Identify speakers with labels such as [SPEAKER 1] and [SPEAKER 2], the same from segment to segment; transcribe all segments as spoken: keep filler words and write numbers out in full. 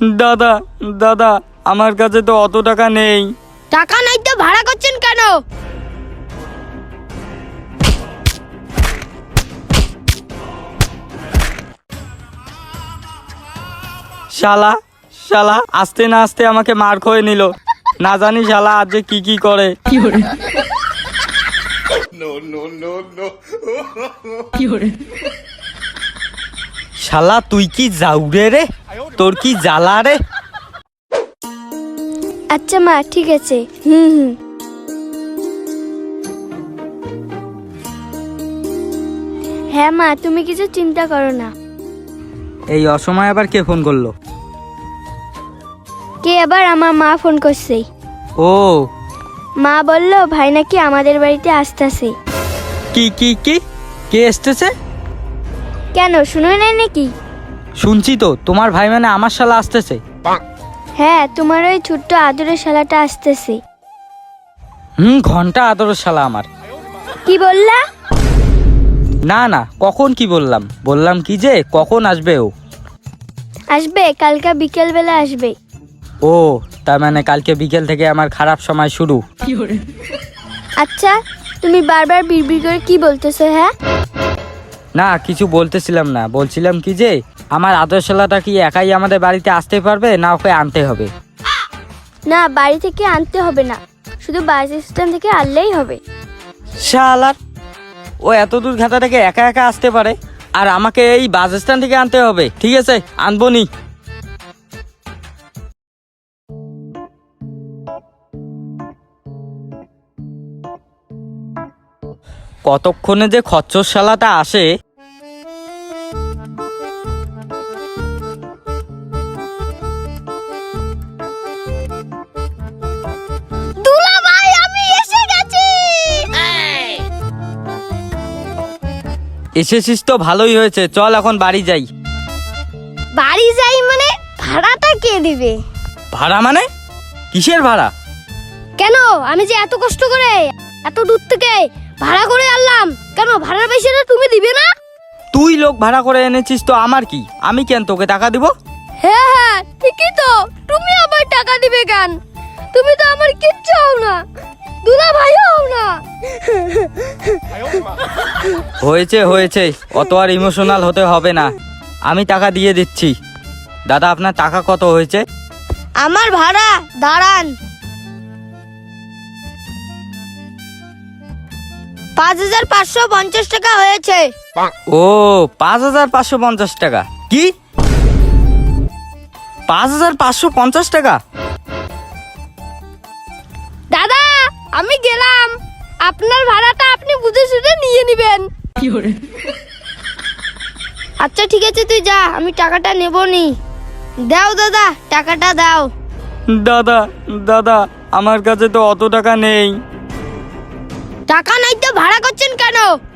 [SPEAKER 1] দাদা দাদা আমার কাছে তো অত টাকা নেই।
[SPEAKER 2] টাকা নাই তো ভাড়া করছেন কেন?
[SPEAKER 1] শালা শালা আস্তে না আস্তে আমাকে মার খেয়ে নিল, না জানি শালা আজ যে কি কি করে। শালা তুই কি যাউরে রে, তোর কি জ্বালা রে।
[SPEAKER 2] আচ্ছা মা ঠিক আছে। হুম হুম হ্যাঁ মা, তুমি কিছু চিন্তা করো না।
[SPEAKER 1] এই অসময় আবার কে ফোন করলো?
[SPEAKER 2] কে আবার? আমার মা ফোন করছে।
[SPEAKER 1] ও
[SPEAKER 2] মা বলল ভাই নাকি আমাদের বাড়িতে আসতেছে।
[SPEAKER 1] কি কি কি কে এসতেছে?
[SPEAKER 2] কেন শুনো না নাকি?
[SPEAKER 1] শুনছি তো, তোমার ভাই মানে আমার শালা আসতেছে।
[SPEAKER 2] হ্যাঁ, তোমার ওই ছোট্ট আদরের শালাটা আসতেছে।
[SPEAKER 1] হুম ঘন্টা আদরের শালা আমার।
[SPEAKER 2] কি বললা?
[SPEAKER 1] না না কখন কি বললাম, বললাম কি যে কখন আসবে ও।
[SPEAKER 2] আসবে কালকে বিকেল বেলা আসবে।
[SPEAKER 1] ও তার মানে কালকে বিকেল থেকে আমার খারাপ সময় শুরু।
[SPEAKER 2] আচ্ছা তুমি বারবার বিড়বিড় করে কি বলতেছো? হ্যাঁ
[SPEAKER 1] না কিছু বলতেছিলাম না, বলছিলাম কি যে আমার আদর শালাটা কি একাই আমাদের বাড়িতে আসতে পারবে না ওকে আনতে হবে?
[SPEAKER 2] না, বাড়ি থেকে আনতে হবে না, শুধু বাস স্ট্যান্ড থেকে আনলেই হবে।
[SPEAKER 1] শালার ও এত দূর ঘাটা থেকে একা একা আসতে পারে, আর আমাকে এই বাস স্ট্যান্ড থেকে আনতে হবে? ঠিক আছে আনবো নি। কতক্ষণে যে খচ্চর শালাটা আসে।
[SPEAKER 2] দুলা ভাই আমি এসে গেছি।
[SPEAKER 1] এসেছিস তো ভালোই হয়েছে, চল এখন বাড়ি যাই।
[SPEAKER 2] বাড়ি যাই মানে? ভাড়াটা কে দিবে?
[SPEAKER 1] ভাড়া মানে? কিসের ভাড়া?
[SPEAKER 2] কেন আমি যে এত কষ্ট করে এত দূর থেকে ভাড়া করে আনলাম, কেন ভাড়ার পয়সাটা তুমি দিবে না?
[SPEAKER 1] তুই লোক ভাড়া করে এনেছিস তো আমার কি, আমি কেন তোকে টাকা দিব?
[SPEAKER 2] হ্যাঁ হ্যাঁ ঠিকই তো, তুমি আবার টাকা দিবে কেন? তুমি তো আমার কিচ্ছু হও না, দুলা ভাই হও না।
[SPEAKER 1] হয়েছে হয়েছে, অত আর ইমোশনাল হতে হবে না, আমি টাকা দিয়ে দিচ্ছি। দাদা আপনার টাকা কত হয়েছে?
[SPEAKER 2] আমার ভাড়া দাঁড়ান, পাঁচ হাজার পাঁচশো পঞ্চাশ টাকা হয়েছে।
[SPEAKER 1] ও পাঁচ হাজার পাঁচশো পঞ্চাশ টাকা? কি পাঁচ হাজার পাঁচশো পঞ্চাশ টাকা?
[SPEAKER 2] দাদা আমি গেলাম, আপনার ভাড়াটা আপনি বুঝে শুনে নিয়ে নেবেন। আচ্ছা ঠিক আছে তুই যা, আমি টাকাটা নেব নি। দাও দাদা টাকাটা দাও।
[SPEAKER 1] দাদা দাদা আমার কাছে তো অত টাকা নেই।
[SPEAKER 2] টাকা নাই তো ভাড়া করছেন কেন?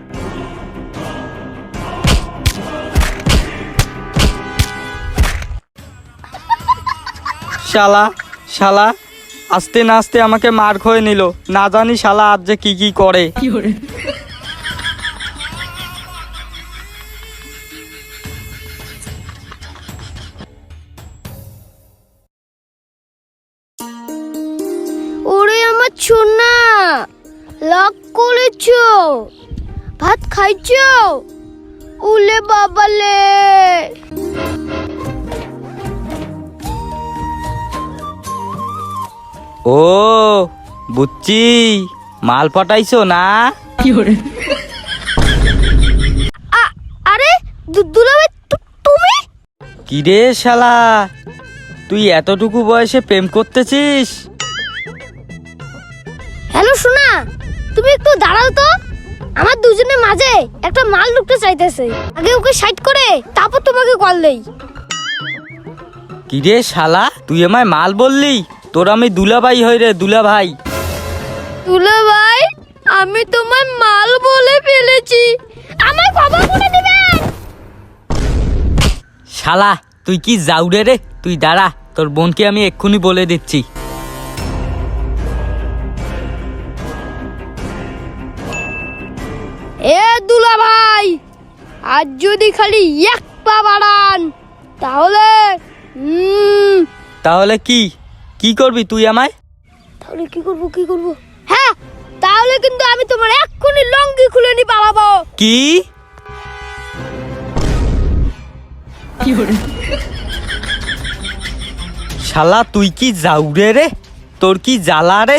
[SPEAKER 1] শালা শালা আস্তে না আস্তে আমাকে মার খেয়ে নিল, না জানি শালা আজ যে কি কি করে।
[SPEAKER 2] ওরে আমার সোনা, লক করেছো, ভাত খাইছো? উলে বাবালে।
[SPEAKER 1] ও বুঝছি, মাল পটাইছো না?
[SPEAKER 2] আ- আরে দু- দুলাভাই তু- তুমি?
[SPEAKER 1] কি রে শালা, তুই এতটুকু বয়সে প্রেম করতেছিস?
[SPEAKER 2] হ্যালো সোনা, তুমি একটু দাঁড়াও তো, আমার দুজনের মাঝে একটা মাল ঢুকতে চাইতেছে, আগে ওকে সাইড করে তারপর তোমাকে কল দেই।
[SPEAKER 1] কি রে শালা, তুই আমায় মাল বললি? তোর আমি দুলাভাই হই রে, দুলাভাই।
[SPEAKER 2] দুলাভাই আমি তোমার মাল বলে ফেলেছি, আমার খবর করে দিবেন।
[SPEAKER 1] শালা তুই কি যাউরে রে, তুই দাঁড়া, তোর বোনকে আমি এক্ষুনি বলে দিচ্ছি।
[SPEAKER 2] এ দুলাভাই, আজ যদি খালি এক পা বাড়ান তাহলে হুম
[SPEAKER 1] তাহলে কি কি করবি তুই আমায়?
[SPEAKER 2] তাহলে কি করব কি করব হ্যাঁ, তাহলে কিন্তু আমি তোমার এক্ষুনি লঙ্গি খুলে নি পালাবো।
[SPEAKER 1] কি শালা তুই কি যাউরে রে, তোর কি জ্বালা রে?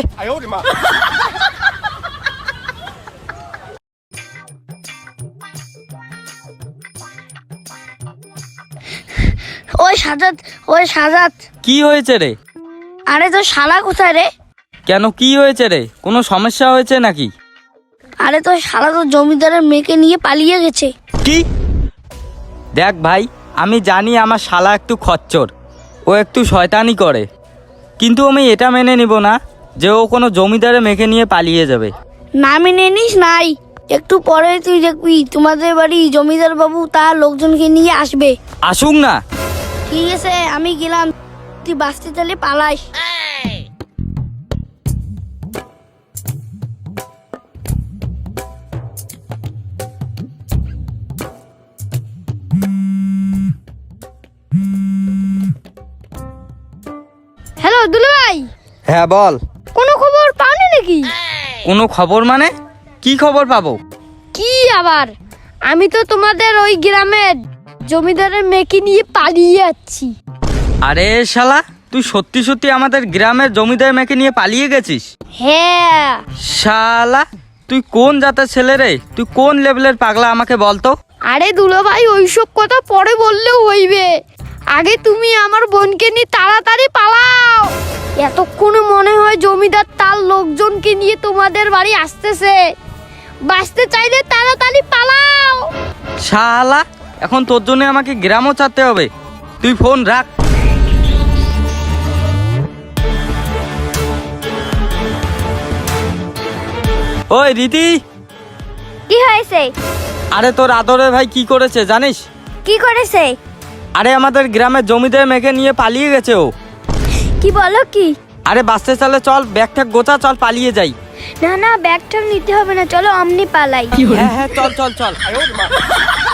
[SPEAKER 2] ওই সাজাত, ওই সাজাত,
[SPEAKER 1] কি হয়েছে রে?
[SPEAKER 2] আরে তো শালা কোথায় রে?
[SPEAKER 1] কেন কি হয়েছে রে? কোনো সমস্যা হয়েছে নাকি?
[SPEAKER 2] আরে তো শালা তো জমিদারের মেয়েকে নিয়ে পালিয়ে গেছে।
[SPEAKER 1] কি? দেখ ভাই, আমি জানি আমার শালা একটু খচ্চর, ও একটু শয়তানি করে, কিন্তু আমি এটা মেনে নিব না যে ও কোনো জমিদারের মেয়েকে নিয়ে পালিয়ে যাবে।
[SPEAKER 2] না মেনে নিস নাই, একটু পরে তুই দেখবি তোমাদের বাড়ি জমিদার বাবু তার লোকজনকে নিয়ে আসবে।
[SPEAKER 1] আসুক না।
[SPEAKER 2] ঠিক আছে আমি গেলাম, তুই বাঁচতে চাইলে পালাস। হ্যালো দুলু ভাই,
[SPEAKER 1] হ্যাঁ বল।
[SPEAKER 2] কোনো খবর পাওনি নাকি?
[SPEAKER 1] কোনো খবর মানে কি খবর পাবো?
[SPEAKER 2] কি আবার, আমি তো তোমাদের ওই গ্রামের জমিদারের মেয়েকে নিয়ে পালিয়ে যাচ্ছি।
[SPEAKER 1] আরে শালা, তুই সত্যি সত্যি আমাদের গ্রামের জমিদার মেয়েকে নিয়ে পালিয়ে গেছিস?
[SPEAKER 2] হ্যাঁ।
[SPEAKER 1] শালা তুই কোন জাতের ছেলে রে? তুই কোন লেভেলের পাগলা আমাকে বলতো?
[SPEAKER 2] আরে দুলো ভাই, ওইসব কথা পরে বললেও হইবে, আগে তুমি আমার বোনকে নিয়ে তাড়াতাড়ি পালাও। এতক্ষণে মনে হয় জমিদার তার লোকজনকে নিয়ে তোমাদের বাড়ি আসতেছে, বাঁচতে চাইলে তাড়াতাড়ি পালাও।
[SPEAKER 1] শালা এখন তোর জন্য আমাকে গ্রামও ছাড়তে হবে, তুই ফোন রাখ। ওই রীতি,
[SPEAKER 2] কি হয়েছে?
[SPEAKER 1] আরে তোর আদরের ভাই কি করেছে জানিস?
[SPEAKER 2] কি করেছে?
[SPEAKER 1] আরে আমাদের গ্রামের জমিদার মেয়েকে নিয়ে পালিয়ে গেছে ও।
[SPEAKER 2] কি বলো কি?
[SPEAKER 1] আরে বাসতে চলে, চল ব্যাগ ঠ্যাগ গোছা, চল পালিয়ে যাই।
[SPEAKER 2] না না, ব্যাগটা নিতে হবে না, চলো আমনি পালাই।
[SPEAKER 1] হ্যাঁ হ্যাঁ চল চল চল।